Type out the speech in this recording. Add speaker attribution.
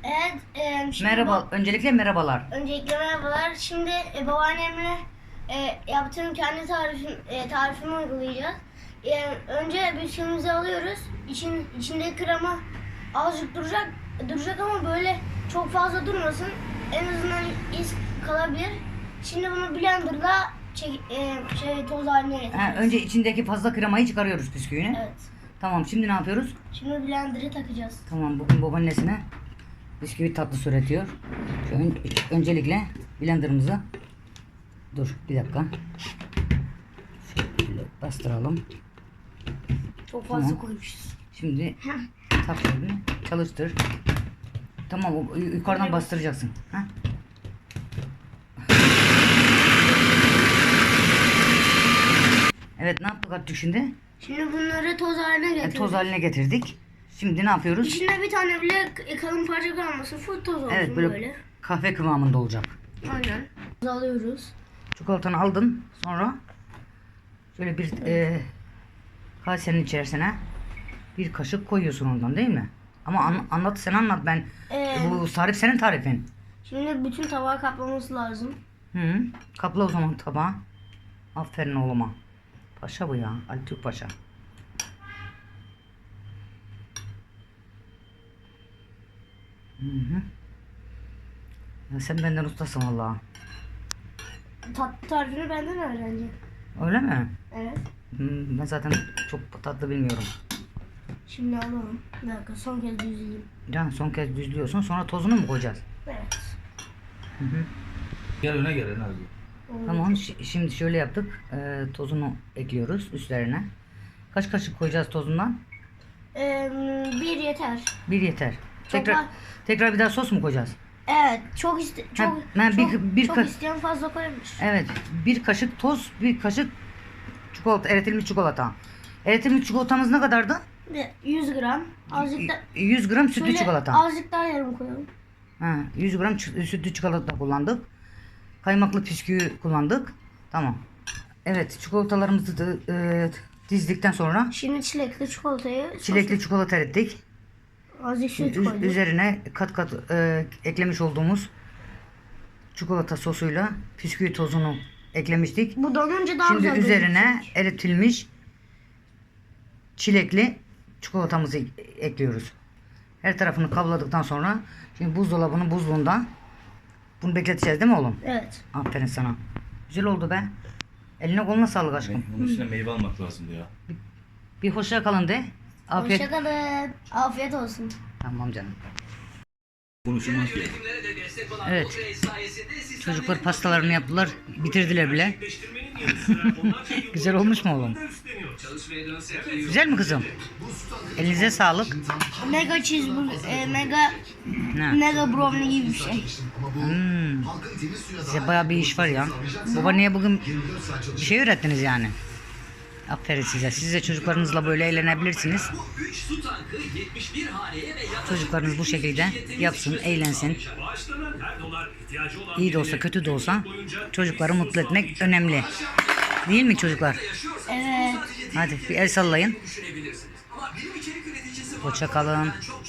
Speaker 1: Evet, şimdi
Speaker 2: Merhaba. Öncelikle merhabalar.
Speaker 1: öncelikle merhabalar. Şimdi babaannemle yaptığım kendi tarifimi uygulayacağız. Önce bisküvimizi alıyoruz. İçindeki krema azıcık duracak ama böyle çok fazla durmasın. En azından iz kalabilir. Şimdi bunu blenderla toz haline getireceğiz.
Speaker 2: Önce içindeki fazla kremayı çıkarıyoruz bisküvini.
Speaker 1: Evet.
Speaker 2: Tamam, şimdi ne yapıyoruz?
Speaker 1: Şimdi blenderı takacağız.
Speaker 2: Tamam, bugün babaannesine bisküvi tatlısı üretiyor. Öncelikle blenderımızı bir dakika. Şöyle bastıralım.
Speaker 1: Çok fazla
Speaker 2: Tamam.
Speaker 1: koymuşuz.
Speaker 2: Şimdi taktığını çalıştır. Tamam, yukarıdan bastıracaksın. Heh. Evet, ne yaptık artık şimdi?
Speaker 1: Şimdi bunları toz haline getirdik.
Speaker 2: Toz haline getirdik. Şimdi ne yapıyoruz?
Speaker 1: İçinde bir tane bile kalın parça kalmasın. Full toz olsun
Speaker 2: Evet,
Speaker 1: böyle.
Speaker 2: böyle kahve kıvamında olacak.
Speaker 1: Aynen. Alıyoruz.
Speaker 2: Çikolatanı aldın. Sonra şöyle bir kasenin içerisine bir kaşık koyuyorsun ondan, değil mi? Ama anlat, sen anlat, ben bu tarif senin tarifin.
Speaker 1: Şimdi bütün tabağı kaplaması lazım.
Speaker 2: Hı. Kapla o zaman tabağı. Aferin oğluma. Paşa bu ya. Ali Türk Paşa. Hı. Ya sen benden ustasın vallahi.
Speaker 1: Tatlı tarifini benden öğrenecek.
Speaker 2: Öyle mi?
Speaker 1: Evet.
Speaker 2: Ben zaten çok tatlı bilmiyorum.
Speaker 1: Şimdi alalım. Bir dakika, son kez düzleyeyim.
Speaker 2: Can, son kez düzlüyorsun, sonra tozunu mu koyacağız?
Speaker 1: Evet.
Speaker 2: Hı hı.
Speaker 3: Gel öne gel abi.
Speaker 2: Tamam, şimdi şöyle yaptık. Tozunu ekliyoruz üstlerine. Kaç kaşık koyacağız tozundan?
Speaker 1: Bir yeter.
Speaker 2: Bir yeter.
Speaker 1: Çok
Speaker 2: Tekrar bir daha sos mu koyacağız?
Speaker 1: Evet. Çok
Speaker 2: bir
Speaker 1: isteyen fazla koymuş.
Speaker 2: Evet, bir kaşık toz, bir kaşık çikolata, eritilmiş çikolata. Eritilmiş çikolatamız ne kadardı?
Speaker 1: 100 gram. Azıcık da
Speaker 2: 100 gram sütlü
Speaker 1: şöyle
Speaker 2: çikolata.
Speaker 1: azıcık daha yarım koyalım.
Speaker 2: 100 gram sütlü çikolata kullandık. Kaymaklı bisküvi kullandık. Tamam. Evet, çikolatalarımızı da dizdikten sonra
Speaker 1: Şimdi çilekli
Speaker 2: çikolata erittik.
Speaker 1: azıcık süt koyduk.
Speaker 2: Üzerine kat kat eklemiş olduğumuz çikolata sosuyla bisküvi tozunu eklemiştik.
Speaker 1: Bu donunca daha
Speaker 2: Şimdi
Speaker 1: güzel
Speaker 2: üzerine
Speaker 1: gözükecek.
Speaker 2: eritilmiş çilekli çikolatamızı ekliyoruz. Her tarafını kavladıktan sonra şimdi buzdolabının buzluğunda bunu bekleteceğiz, değil mi oğlum?
Speaker 1: Evet.
Speaker 2: Aferin sana. Güzel oldu be. Eline koluna sağlık aşkım.
Speaker 3: Bunun üstüne meyve almak lazımdı ya.
Speaker 2: Bir hoşça kalın de. Afiyet.
Speaker 1: Hoşçakalın. Afiyet olsun.
Speaker 2: Tamam canım.
Speaker 3: Konuşulmaz ki.
Speaker 2: Evet. Çocuklar pastalarını yaptılar. Bitirdiler bile. Güzel olmuş mu oğlum? Güzel mi kızım? Elinize sağlık.
Speaker 1: Mega cheeseburger,
Speaker 2: Ne?
Speaker 1: mega brownie gibi bir şey.
Speaker 2: Size bayağı bir iş var ya. Babaanneye bugün bir şey öğrettiniz yani. Aferin size. Siz de çocuklarınızla böyle eğlenebilirsiniz. Çocuklarınız bu şekilde yapsın, eğlensin. İyi de olsa, kötü de olsa çocukları mutlu etmek önemli. Değil mi çocuklar?
Speaker 1: Evet.
Speaker 2: Hadi bir el sallayın. Hoşça kalın.